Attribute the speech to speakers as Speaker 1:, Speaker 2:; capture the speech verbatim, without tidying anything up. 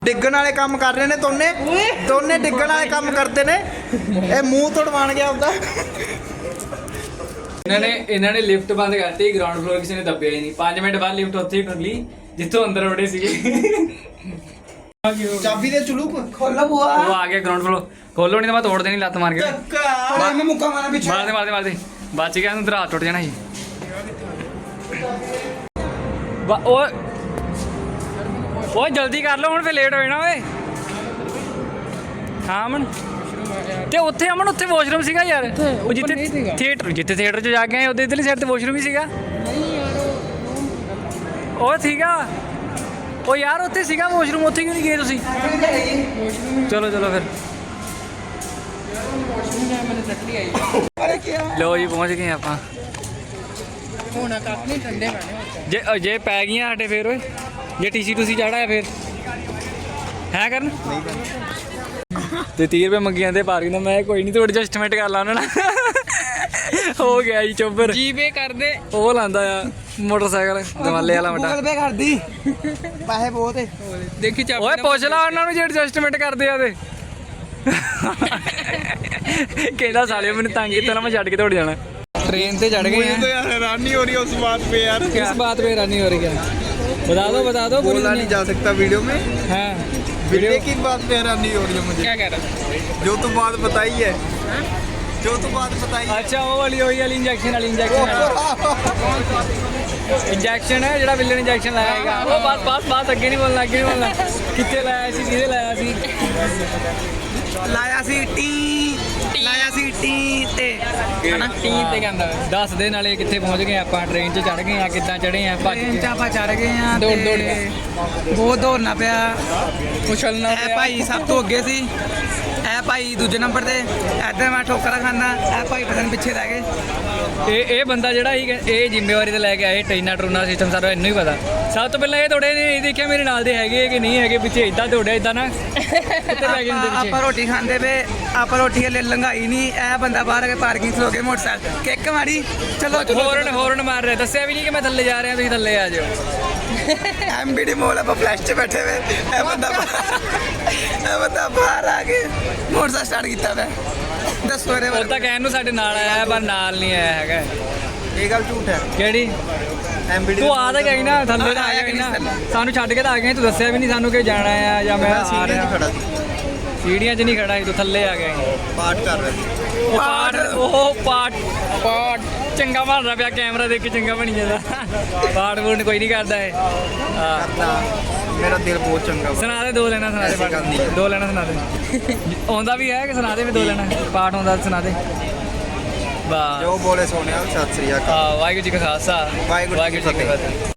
Speaker 1: ਡਿੱਗਣ ਵਾਲੇ ਕੰਮ ਕਰ ਰਹੇ ਨੇ ਦੋਨੇ ਦੋਨੇ ਡਿੱਗਣ ਵਾਲੇ ਕੰਮ ਕਰਦੇ ਨੇ। ਇਹ ਮੂੰਹ ਤੋੜਵਾਣ ਗਿਆ ਹੁੰਦਾ।
Speaker 2: ਇਹਨਾਂ ਨੇ ਇਹਨਾਂ ਨੇ ਲਿਫਟ ਬੰਦ ਕਰਤੀ, ਗਰਾਊਂਡ ਫਲੋਰ ਕਿਸੇ ਨੇ ਦੱਬਿਆ ਹੀ ਨਹੀਂ। ਪੰਜ ਮਿੰਟ ਬਾਅਦ ਲਿਫਟ ਉੱਥੇ ਹੀ ਖੁੱਲੀ ਜਿੱਥੋਂ ਅੰਦਰ ਵੜੇ ਸੀਗੇ।
Speaker 1: ਚਾਬੀ ਦੇ ਚੁਲੂਕ ਖੋਲੋ ਬੁਆ।
Speaker 2: ਉਹ ਆ ਗਿਆ ਗਰਾਊਂਡ ਫਲੋਰ, ਖੋਲੋ ਨਹੀਂ ਤਾਂ ਮੈਂ ਤੋੜ ਦੇਣੀ ਲੱਤ ਮਾਰ ਕੇ।
Speaker 1: ਪਰ ਮੈਂ ਮੁੱਕਾ ਮਾਰਾਂ ਪਿੱਛੇ।
Speaker 2: ਮਾਰਦੇ ਮਾਰਦੇ ਮਾਰਦੇ ਬਚ ਗਿਆ, ਨੂੰ ਦਰਾ ਟੁੱਟ ਜਾਣਾ ਸੀ। ਓਏ ਓਏ ਜਲਦੀ ਕਰ ਲਓ ਹੁਣ, ਫੇ ਲੇਟ ਹੋ ਜਾਣਾ ਓਏ। ਹਾਂ ਅਮਨ, ਤੇ ਉੱਥੇ ਅਮਨ ਉੱਥੇ ਵਾਸ਼ਰੂਮ ਸੀਗਾ ਯਾਰ, ਉਹ ਜਿੱਥੇ ਥੀਏਟਰ ਜਿੱਥੇ ਥੀਏਟਰ 'ਚ ਜਾ ਕੇ ਆਏ ਉਹਦੇ ਇਧਰਲੀ ਸਾਈਡ ਤੇ ਵਾਸ਼ਰੂਮ ਹੀ ਸੀਗਾ। ਉਹ ਸੀਗਾ ਉਹ ਯਾਰ, ਉੱਥੇ ਸੀਗਾ ਵਾਸ਼ਰੂਮ, ਉੱਥੇ ਕਿਉਂ ਨਹੀਂ ਗਏ ਤੁਸੀਂ? ਚਲੋ ਚਲੋ ਫਿਰ ਲੋ ਜੀ, ਪਹੁੰਚ ਗਏ ਆਪਾਂ। ਜੇ ਜੇ ਪੈ ਗਈਆਂ ਸਾਡੇ ਫੇਰ ਓਏ, ਜੇ ਟੀਸੀ ਟੂਸੀ ਚਾੜਾ ਫੇਰ ਹੈ ਕਰਨ ਤੇ ਤੀਹ ਰੁਪਏ ਮੰਗੀ ਜਾਂਦੇ ਪਾਰਕਿੰਗ ਦਾ। ਮੈਂ ਕੋਈ ਨਹੀਂ, ਥੋੜੀ ਐਡਜਸਟਮੈਂਟ ਕਰ ਲਾ ਉਹਨਾਂ ਨਾਲ। ਹੋ ਗਿਆ ਜੀ ਚੋਬਰ, ਜੀਪੇ ਕਰਦੇ ਉਹ ਲਾਂਦਾ ਆ ਮੋਟਰਸਾਈਕਲ ਦਵਾਲੇ ਵਾਲਾ ਵੱਡਾ।
Speaker 1: ਗੂਗਲ ਪੇ ਕਰਦੀ, ਪੈਸੇ ਬਹੁਤ ਏ।
Speaker 2: ਦੇਖੀ ਚਾਬੀ ਓਏ ਪੁੱਛ ਲਾ ਉਹਨਾਂ ਨੂੰ ਜੇ ਐਡਜਸਟਮੈਂਟ ਕਰਦੇ ਆ ਤੇ। ਕਹਿੰਦਾ ਸਾਲਿਓ ਮੈਨੂੰ ਤੰਗ ਕੀਤਾ ਨਾ, ਮੈਂ ਛੱਡ ਕੇ ਦੌੜ ਜਾਣਾ। ट्रेन से चढ़ गए हैं।
Speaker 1: तो यार हैरानी हो रही है उस बात पे यार।
Speaker 2: किस बात पे हैरानी हो रही है? बता दो बता दो।
Speaker 1: बोला नहीं जा सकता वीडियो में।
Speaker 2: हाँ
Speaker 1: वीडियो की बात पे हैरानी हो रही है मुझे।
Speaker 2: क्या कह रहा है?
Speaker 1: जो तो बात बताई है, जो तो बात बताई है।
Speaker 2: अच्छा वो वाली वही वाली इंजेक्शन वाली इंजेक्शन इंजेक्शन है ਜਿਹੜਾ ਵਿਲਨ इंजेक्शन ਲਾਇਆ ਹੈਗਾ। ਉਹ ਬਸ ਬਸ ਬਸ ਅੱਗੇ ਨਹੀਂ ਬੋਲਣਾ, ਅੱਗੇ ਨਹੀਂ ਬੋਲਣਾ। ਕਿੱਥੇ ਲਾਇਆ ਸੀ, ਕਿਹਦੇ ਲਾਇਆ ਸੀ?
Speaker 1: ਲਾਇਆ ਸੀ ਟੀ ਲਾਇਆ ਸੀ ਟੀ ਤੇ
Speaker 2: ਹਨਾ ਟੀ ਤੇ ਕਹਿੰਦਾ। ਦੱਸ ਦੇ ਨਾਲੇ ਕਿੱਥੇ ਪਹੁੰਚ ਗਏ ਆਪਾਂ? ਟ੍ਰੇਨ 'ਚ ਚੜ ਗਏ ਆ, ਕਿੱਦਾਂ ਚੜੇ ਆ? ਭੱਜ
Speaker 1: ਟ੍ਰੇਨ 'ਚ ਆਪਾਂ ਚੜ ਗਏ ਆ।
Speaker 2: ਦੌੜ ਦੌੜ ਕੇ
Speaker 1: ਬਹੁਤ ਦੌੜਨਾ ਪਿਆ,
Speaker 2: ਉਛਲਣਾ
Speaker 1: ਇਹ ਭਾਈ ਸਭ ਤੋਂ ਅੱਗੇ ਸੀ, ਇਹ ਭਾਈ ਦੂਜੇ ਨੰਬਰ ਤੇ। ਇੱਧਰ ਮੈਂ ਠੋਕਰਾਂ ਖਾਂਦਾ, ਇਹ ਭਾਈ ਪਤਾ ਨਹੀਂ ਪਿੱਛੇ ਰਹਿ ਗਏ।
Speaker 2: ਇਹ ਇਹ ਬੰਦਾ ਜਿਹੜਾ ਸੀ, ਇਹ ਜ਼ਿੰਮੇਵਾਰੀ ਤੇ ਲੈ ਕੇ ਆਏ ਟ੍ਰੇਨਾਂ ਟਰੂਨਾ ਸਿਸਟਮ ਸਾਰਾ ਇਹਨੂੰ ਹੀ ਪਤਾ। ਸਭ ਤੋਂ ਪਹਿਲਾਂ ਇਹ ਦੌੜੇ ਨੇ, ਇਹ ਦੇਖਿਆ ਮੇਰੇ ਨਾਲ ਦੇ ਹੈਗੇ ਕਿ ਨਹੀਂ ਹੈਗੇ, ਪਿੱਛੇ ਇਦਾਂ ਦੌੜਿਆ ਇਦਾਂ ਨਾ ਕਿੱਥੇ ਲੈ ਗਏ ਹੁੰਦੇ ਪਿੱਛੇ।
Speaker 1: ਆਪਾਂ ਰੋਟੀ ਖਾਂਦੇ ਵੇ, ਆਪਾਂ ਰੋਟੀ ਹਲੇ ਲੰਘਾਈ ਨਹੀਂ। ਇਹ ਬੰਦਾ ਬਾਹਰ ਆ ਕੇ ਪਾਰਕਿੰਗ 'ਚ ਹੋ ਕੇ ਮੋਟਰਸਾਈਕਲ ਕਿੱਕ ਮਾਰੀ। ਚਲੋ
Speaker 2: ਹੋਰਨ ਹੋਰਨ ਮਾਰ ਰਿਹਾ, ਦੱਸਿਆ ਵੀ ਨਹੀਂ ਕਿ ਮੈਂ ਥੱਲੇ ਜਾ ਰਿਹਾ, ਤੁਸੀਂ ਥੱਲੇ ਆ ਜਾਓ।
Speaker 1: ਐਮਬੀਡੀ ਮੋਲ ਆਪਾਂ ਫਲੈਸ਼ 'ਚ ਬੈਠੇ ਵੇ, ਇਹ ਬੰਦਾ ਇਹ ਬੰਦਾ ਬਾਹਰ ਆ ਕੇ ਮੋਟਰਸਾਈਕਲ ਸਟਾਰਟ ਕੀਤਾ ਵੇ। ਦੱਸੋ ਇਹਦੇ
Speaker 2: ਉਹ ਤਾਂ ਕਹਿਣ ਨੂੰ ਸਾਡੇ ਨਾਲ ਆਇਆ, ਪਰ ਨਾਲ ਨਹੀਂ ਆਇਆ ਹੈਗਾ।
Speaker 1: ਇਹ ਗੱਲ ਝੂਠ ਹੈ।
Speaker 2: ਕਿਹੜੀ?
Speaker 1: ਐਮਬੀਡੀ
Speaker 2: ਤੂੰ ਆ ਤਾਂ ਗਈ ਨਾ, ਥੱਲੇ ਤਾਂ ਆਇਆ ਕਿ ਨਾ, ਸਾਨੂੰ ਛੱਡ ਕੇ ਤਾਂ ਆ ਗਏ। ਤੂੰ ਦੱਸਿਆ ਵੀ ਨਹੀਂ ਸਾਨੂੰ ਕਿ ਜਾਣਾ ਆ ਜਾਂ ਮੈਂ ਆ ਰਿਹਾ।
Speaker 1: ਖੜਾ
Speaker 2: ਸੀੜੀਆਂ 'ਚ ਨਹੀਂ ਖੜਾ ਸੀ, ਤੂੰ ਥੱਲੇ ਆ ਗਿਆ।
Speaker 1: ਪਾਠ ਕਰ ਰਿਹਾ।
Speaker 2: ਉਹ ਪਾਠ ਉਹ ਪਾਠ ਪਾਠ ਚੰਗਾ ਬਣ ਰਿਹਾ ਪਿਆ, ਕੈਮਰਾ ਦੇਖ ਕੇ ਚੰਗਾ ਬਣੀ ਜਾਂਦਾ। ਪਾਠ ਪੂਠ ਕੋਈ ਨਹੀਂ ਕਰਦਾ ਇਹ। ਹਾਂ
Speaker 1: ਮੇਰਾ ਦਿਲ ਬਹੁਤ ਚੰਗਾ।
Speaker 2: ਸੁਣਾ ਦੇ ਦੋ ਲੈਣਾ, ਸੁਣਾ ਦੇ ਪਾਠ, ਦੋ ਲੈਣਾ ਸੁਣਾ ਦੇ। ਆਉਂਦਾ ਵੀ ਹੈ ਕਿ ਸੁਣਾ ਦੇ ਵੀ ਦੋ ਲੈਣਾ ਪਾਠ ਆਉਂਦਾ ਸੁਣਾ ਦੇ। ਵਾਹ
Speaker 1: ਜੋ ਬੋਲੇ ਸੋਨਿਆ, ਸਤਿ ਸ੍ਰੀ ਅਕਾਲ।
Speaker 2: ਵਾਹਿਗੁਰੂ ਜੀ ਕਾ ਖਾਲਸਾ,
Speaker 1: ਵਾਹਿਗੁਰੂ ਜੀ ਕੀ ਫਤਿਹ।